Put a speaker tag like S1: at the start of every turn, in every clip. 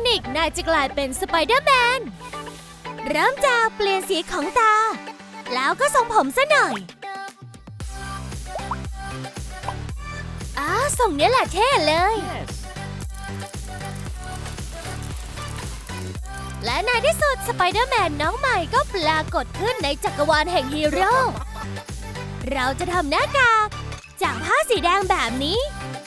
S1: นิกนายจะกลายเป็นสไปเดอร์แมนเริ่มจากเปลี่ยนสีของตาแล้วก็ทรงผมซะหน่อยทรงนี้แหละเท่เลย และในที่สุดสไปเดอร์แมนน้องใหม่ก็ปรากฏขึ้นในจักรวาลแห่งฮีโร่เราจะทำหน้ากากจากผ้าสีแดงแบบนี้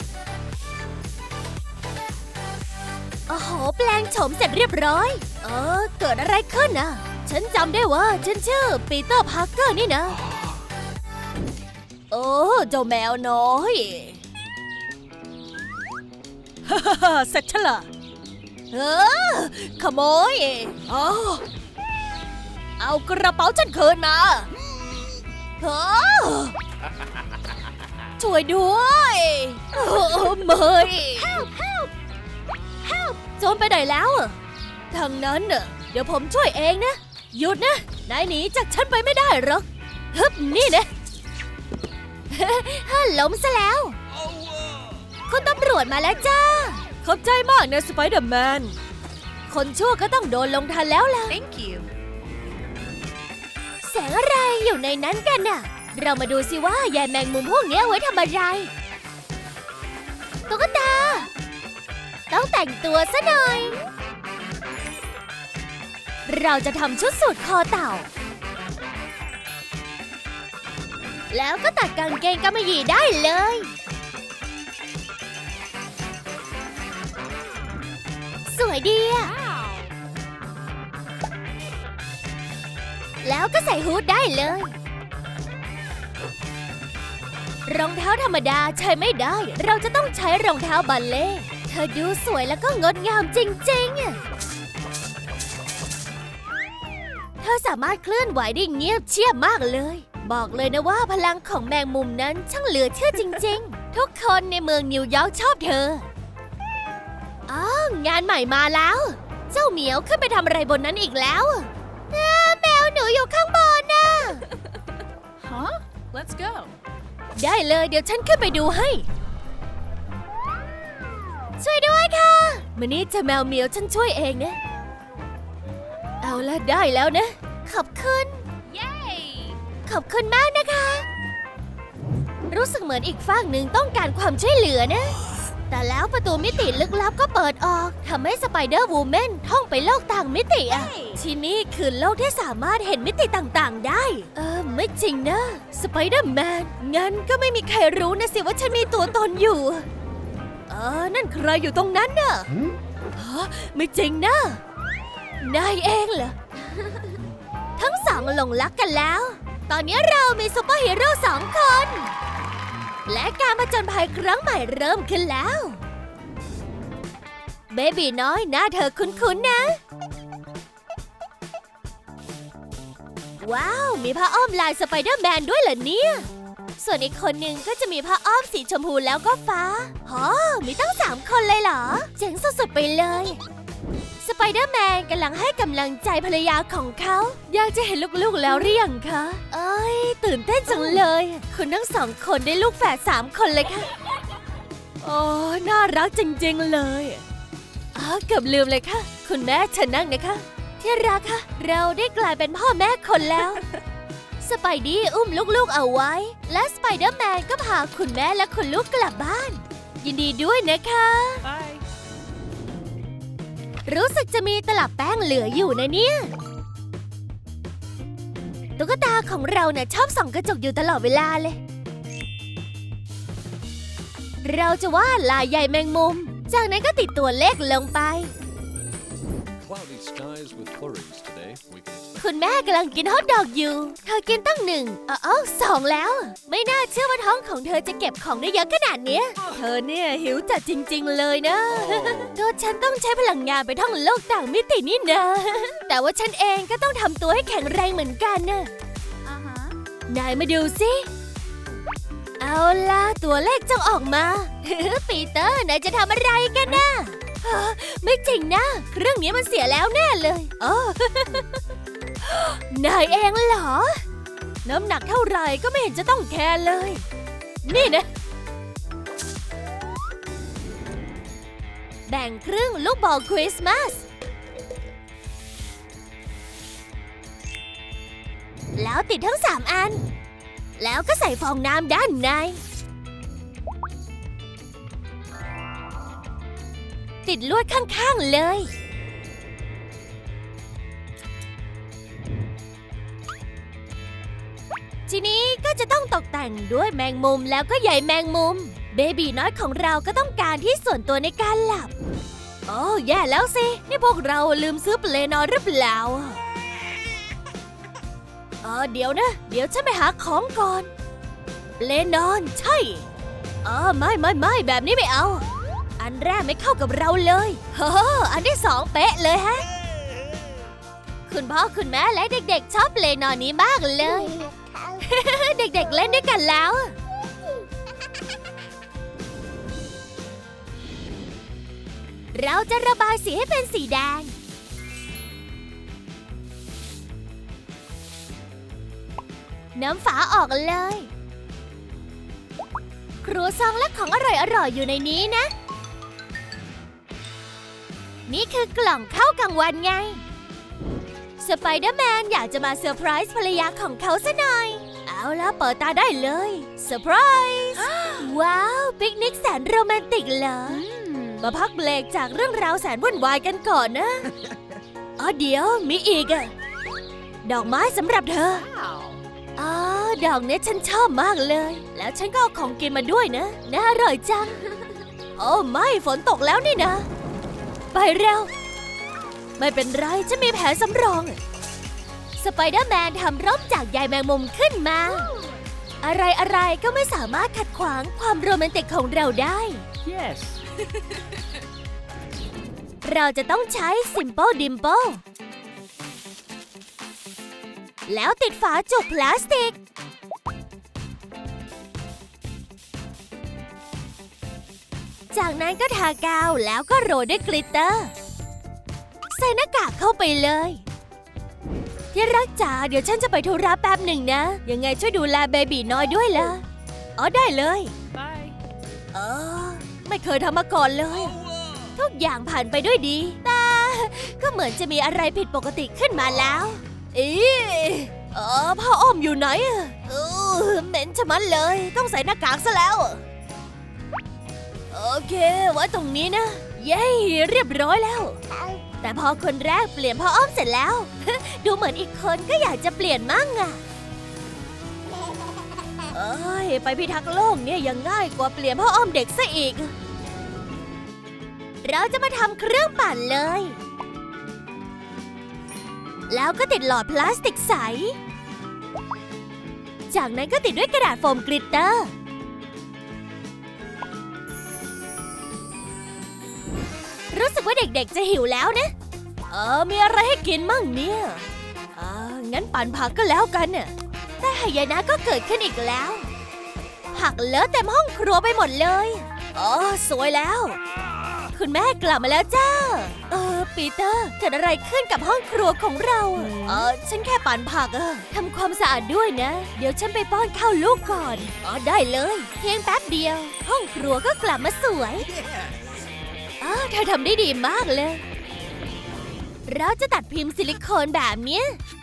S1: โอ้โหแปลงโฉมเสร็จเรียบร้อยเกิดอะไรขึ้นน่ะฉันจำได้ว่าฉันชื่อปีเตอร์พาร์เกอร์นี่นะโอ้เจ้าแมวน้อยฮ่าเสร็จฉันละขโมยเอากระเป๋าฉันคืนมาช่วยด้วยเมยโจรไปไหนแล้วทางนั้นน่ะเดี๋ยวผมช่วยเองนะหยุดนะนายหนีจากฉันไปไม่ได้หรอกฮึบนี่นะล้มซะแล้วคุณตำรวจมาแล้วจ้าขอบใจมากนะสไปเดอร์แมนคนชั่วก็ต้องโดนลงทันแล้วล่ะ
S2: Thank you
S1: แสงอะไรอยู่ในนั้นกันน่ะเรามาดูสิว่ายายแมงมุมพวกนี้ไว้ทำอะไรตุ๊กตาต้องแต่งตัวซะหน่อยเราจะทำชุดสูทคอเต่าแล้วก็ตัดกางเกงกำมะหยี่ได้เลยสวยดีอะแล้วก็ใส่ฮู้ดได้เลยรองเท้าธรรมดาใช้ไม่ได้เราจะต้องใช้รองเท้าบัลเล่เธอดูสวยแล้วก็งดงามจริงๆเธอสามารถเคลื่อนไหวได้เงียบเชียบมากเลยบอกเลยนะว่าพลังของแมงมุมนั้นช่างเหลือเชื่อจริงๆทุกคนในเมืองนิวยอร์กชอบเธองานใหม่มาแล้วเจ้าเหมียวขึ้นไปทำอะไรบนนั้นอีกแล้วแมวหนูอยู่ข้างบนน่ะ
S2: Huh? Let's go
S1: ได้เลยเดี๋ยวฉันขึ้นไปดูให้ช่วยด้วยค่ะวันนี้จะแมวเหมียวฉันช่วยเองนะเอาละได้แล้วนะขอบคุณ
S2: Yay
S1: ขอบคุณมากนะคะรู้สึกเหมือนอีกฝั่งหนึ่งต้องการความช่วยเหลือนะแต่แล้วประตูมิติลึกลับก็เปิดออกทำให้สไปเดอร์วูแมนท่องไปโลกต่างมิติอะที่นี่คือโลกที่สามารถเห็นมิติต่างๆได้ไม่จริงนะสไปเดอร์แมนงั้นก็ไม่มีใครรู้นะสิว่าฉันมีตัวตนอยู่นั่นใครอยู่ตรงนั้นน่ะไม่จริงนะนายเองเหรอ ทั้งสองหลงรักกันแล้วตอนนี้เรามีซูเปอร์ฮีโร่2 คนและการผจญภัยครั้งใหม่เริ่มขึ้นแล้วเบบีน้อยหน้าเธอคุ้นๆนะว้าวมีผ้าอ้อมลายสไปเดอร์แมนด้วยเหรอเนี่ยส่วนอีกคนหนึ่งก็จะมีผ้าอ้อมสีชมพูแล้วก็ฟ้ามีตั้ง3 คนเลยเหรอเจ๋งสุดๆไปเลยสไปเดอร์แมนกำลังให้กำลังใจภรรยาของเขาอยากจะเห็นลูกๆแล้วหรือยังคะตื่นเต้นจังเลยคุณทั้ง2 คนได้ลูกแฝด3 คนเลยค่ะโอ้น่ารักจริงๆเลยเกือบลืมเลยค่ะคุณแม่เชิญนั่งนะคะที่รักค่ะเราได้กลายเป็นพ่อแม่คนแล้วสไปดี้อุ้มลูกๆเอาไว้และสไปเดอร์แมนก็พาคุณแม่และคุณลูกกลับบ้านยินดีด้วยนะคะ
S2: Bye
S1: รู้สึกจะมีตลับแป้งเหลืออยู่นะเนี่ยตุ๊กตาของเราเนี่ยชอบส่องกระจกอยู่ตลอดเวลาเลยเราจะวาดลายใยแมงมุมจากนั้นก็ติดตัวเลขลงไป
S3: Cloudy skies with flurries today. We can expect
S1: คุณแม่กำลังกินฮอทดอกอยู่เธอกินตั้ง2 แล้วไม่น่าเชื่อว่าท้องของเธอจะเก็บของได้เยอะขนาดเนี้ยเธอเนี่ยหิวจัดจริงๆเลยนะก็ฉันต้องใช้พลังงานไปท่องโลกต่างมิตินี่นะแต่ว่าฉันเองก็ต้องทำตัวให้แข็งแรงเหมือนกันนะนายมาดูสิเอาล่ะตัวเลขจงออกมา ปีเตอร์นายจะทำอะไรกันนะไม่จริงนะเครื่องนี้มันเสียแล้วแน่เลยนายเองเหรอน้ำหนักเท่าไหร่ก็ไม่เห็นจะต้องแคร์เลยนี่นะแบ่งครึ่งลูกบอลคริสต์มาสแล้วติดทั้ง3อันแล้วก็ใส่ฟองน้ำด้านในติดลวดข้างๆเลยทีนี้ก็จะต้องตกแต่งด้วยแมงมุมแล้วก็ใยแมงมุมเบบีน้อยของเราก็ต้องการที่ส่วนตัวในการหลับโอ้แย่แล้วสินี่พวกเราลืมซื้อเปลนอนหรือเปล่าเดี๋ยวนะเดี๋ยวฉันไปหาของก่อนเปลนอนใช่ไม่แบบนี้ไม่เอาอันแรกไม่เข้ากับเราเลยเฮ้ออันที่2เป๊ะเลยฮะคุณพ่อคุณแม่และเด็กๆชอบเปลนอนนี้มากเลย เด็กๆเล่นด้วยกันแล้วเราจะระบายสีให้เป็นสีแดงน้ำฝาออกเลยครัวซองและของอร่อยๆอยู่ในนี้นะนี่คือกล่องข้าวกลางวันไงสไปเดอร์แมนอยากจะมาเซอร์ไพรส์ภรรยาของเขาซะหน่อยเอาล่ะเปิดตาได้เลยเซอร์ไพรส์ว้าวปิกนิกแสนโรแมนติกเหรอมาพักเบรกจากเรื่องราวแสนวุ่นวายกันก่อนนะเดี๋ยวมีอีกอะดอกไม้สำหรับเธอ
S2: Wow.
S1: ดอกนี้ฉันชอบมากเลยแล้วฉันก็เอาของกินมาด้วยนะน่าอร่อยจัง โอ้ไม่ฝนตกแล้วนี่นะไปเร็วไม่เป็นไรฉันมีแผนสำรองสไปเดอร์แมนทำร่มจากใยแมงมุมขึ้นมาอะไรก็ไม่สามารถขัดขวางความโรแมนติกของเราได้
S4: Yes.
S1: เราจะต้องใช้ Simple Dimple แล้วติดฝาจุกพลาสติกจากนั้นก็ทากาวแล้วก็โรยด้วยกลิตเตอร์ใส่หน้ากากเข้าไปเลยที่รักจ๋าเดี๋ยวฉันจะไปธุระแป๊บหนึ่งนะยังไงช่วยดูแลเบบีน้อยด้วยล่ะได้เลย
S2: Bye.
S1: ไม่เคยทำมาก่อนเลยทุกอย่างผ่านไปด้วยดีแต่ก็เหมือนจะมีอะไรผิดปกติขึ้นมาแล้วผ้าอ้อมอยู่ไหนเหม็นชะมัดเลยต้องใส่หน้ากากซะแล้วโอเคไว้ตรงนี้นะเย้เรียบร้อยแล้วแต่พอคนแรกเปลี่ยนผ้าอ้อมเสร็จแล้ว ดูเหมือนอีกคนก็อยากจะเปลี่ยนมั่งอะไปพิทักษ์โลกเนี่ยยังง่ายกว่าเปลี่ยนผ้าอ้อมเด็กซะอีกเราจะมาทำเครื่องปั่นเลยแล้วก็ติดหลอดพลาสติกใสจากนั้นก็ติดด้วยกระดาษโฟมกลิตเตอร์รู้สึกว่าเด็กๆจะหิวแล้วนะมีอะไรให้กินมั่งเนี่ยงั้นปั่นผักก็แล้วกันน่ะแต่หายนะก็เกิดขึ้นอีกแล้วผักเลอะเต็มห้องครัวไปหมดเลยสวยแล้วคุณแม่กลับมาแล้วจ้าปีเตอร์เกิดอะไรขึ้นกับห้องครัวของเราฉันแค่ปั่นผักทำความสะอาดด้วยนะเดี๋ยวฉันไปป้อนข้าวลูกก่อนได้เลยเพียงแป๊บเดียวห้องครัวก็กลับมาสวยเธอทำได้ดีมากเลยเราจะตัดพิมพ์ซิลิโคนแบบนี้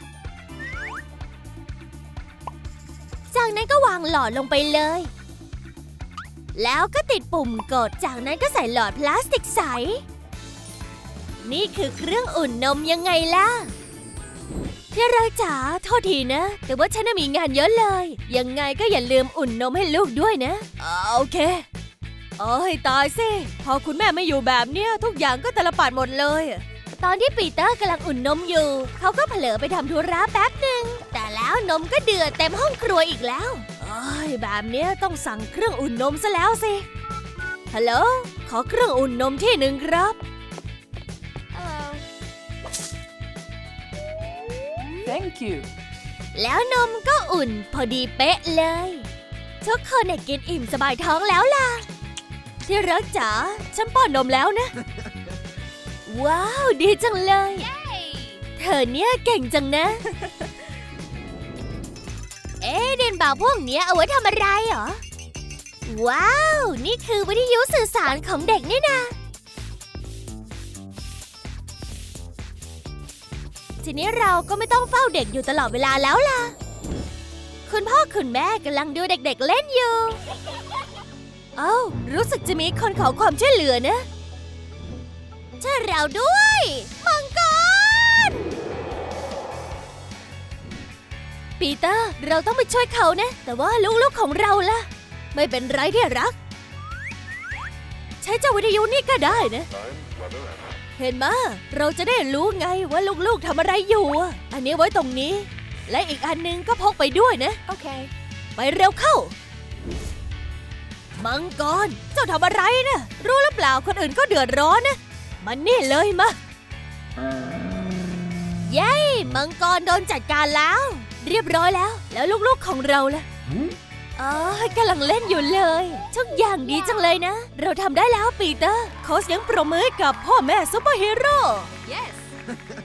S1: จากนั้นก็วางหลอดลงไปเลยแล้วก็ติดปุ่มกดจากนั้นก็ใส่หลอดพลาสติกใสนี่คือเครื่องอุ่นนมยังไงล่ะที่รักจ๋าโทษทีนะแต่ว่าฉันมีงานเยอะเลยยังไงก็อย่าลืมอุ่นนมให้ลูกด้วยนะโอเคตายสิพอคุณแม่ไม่อยู่แบบเนี้ยทุกอย่างก็ตลปัดหมดเลยตอนที่ปีเตอร์กำลังอุ่นนมอยู่เขาก็เผลอไปทำธุระแป๊บหนึ่งแต่แล้วนมก็เดือดเต็มห้องครัวอีกแล้วแบบเนี้ยต้องสั่งเครื่องอุ่นนมซะแล้วสิฮัลโหลขอเครื่องอุ่นนมที่หนึ่งครับ
S2: Hello.
S4: Thank you.
S1: แล้วนมก็อุ่นพอดีเป๊ะเลยทุกคนกินอิ่มสบายท้องแล้วล่ะที่รักจ๋าฉันป้อนนมแล้วนะ ว้าวดีจังเลย
S2: Yay.
S1: เธอเนี่ยเก่งจังนะ ดินเบาพวกเนี้ยเอาไว้ทำอะไรเหรอว้าวนี่คือวิทยุสื่อสารของเด็กนี่นะทีนี้เราก็ไม่ต้องเฝ้าเด็กอยู่ตลอดเวลาแล้วล่ะ คุณพ่อคุณแม่กำลังดูเด็กๆเล่นอยู่ เอ้ารู้สึกจะมีคนขอความช่วยเหลือนะช่วยเราด้วยมังกรปีเตอร์เราต้องไปช่วยเขานะแต่ว่าลูกๆของเราล่ะไม่เป็นไรที่รักใช้เจ้าวิทยุนี่ก็ได้นะเห็นมะเราจะได้รู้ไงว่าลูกๆทำอะไรอยู่อะอันนี้ไว้ตรงนี้และอีกอันนึงก็พกไปด้วยนะ
S2: Okay.
S1: ไปเร็วเข้า มังกร เจ้าทำอะไรนะรู้หรือเปล่าคนอื่นก็เดือดร้อนนะมันนี่เลยมาเย้มังกรโดนจัดการแล้ว เรียบร้อยแล้ว แล้วลูกๆของเราล่ะอ๋อกำลังเล่นอยู่เลยทุกอย่างดีจังเลยนะ เราทำได้แล้วปีเตอร์ขอเสียงปรบมือให้กับพ่อแม่ซุปเปอร์ฮีโร่
S2: Yes.